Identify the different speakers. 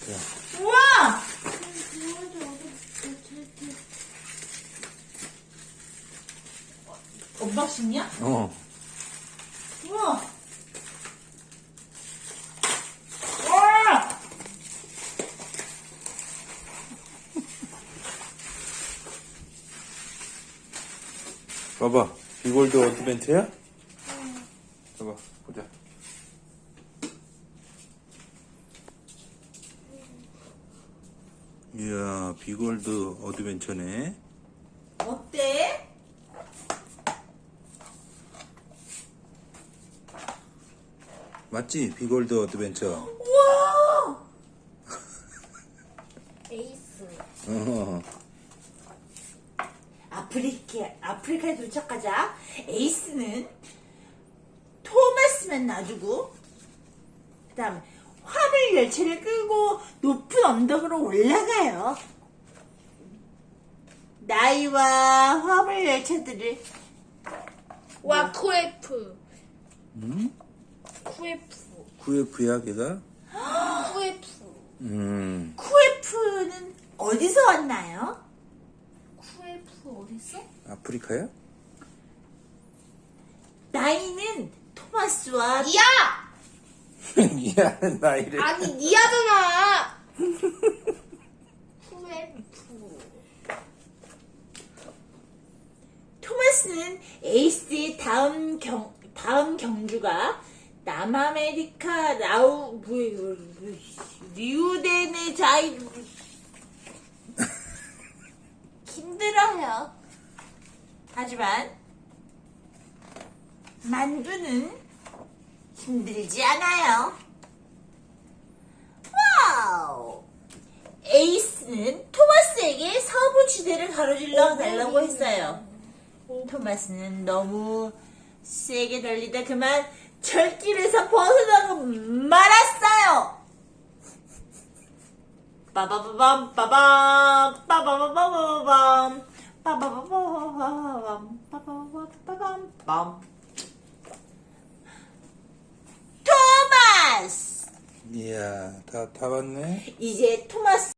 Speaker 1: 우와! 언박싱이야?
Speaker 2: 어.
Speaker 1: 우와! 와!
Speaker 2: 봐봐. 비골드 어드벤처야? 봐봐. 보자. 이야, 비골드 어드벤처네.
Speaker 1: 어때?
Speaker 2: 맞지? 비골드 어드벤처.
Speaker 1: 우와!
Speaker 3: 에이스.
Speaker 2: 어.
Speaker 1: 아프리카에 도착하자 에이스는 토마스만 놔주고 그 다음에 화물 열차를 끌고 높은 언덕으로 올라가요. 나이와 화물 열차들을
Speaker 3: 와, 쿠에프.
Speaker 2: 응?
Speaker 3: 쿠에프.
Speaker 2: QF야, 걔가?
Speaker 3: 쿠에프.
Speaker 1: 쿠에프는 어디서 왔나요?
Speaker 3: 쿠에프 어딨어?
Speaker 2: 아프리카야?
Speaker 1: 나이는 토마스와
Speaker 3: 니야!
Speaker 2: 미안, 나이를.
Speaker 3: 아니, 니야잖아! 쿠에프.
Speaker 1: 토마스는 에이스의 다음 경주가 남아메리카 리우데네자이루 힘들어요. 하지만 만두는 힘들지 않아요. 와우! 에이스는 토마스에게 서부 지대를 가로질러 달라고 했어요. 토마스는 너무 세게 달리다 그만 절길에서 벗어나고 말았어요. 빠바바밤 빠밤 빠바바바밤 빠바바바밤 빠바바바밤 빰. 토마스!
Speaker 2: 이야, 다 봤네?
Speaker 1: 이제 토마스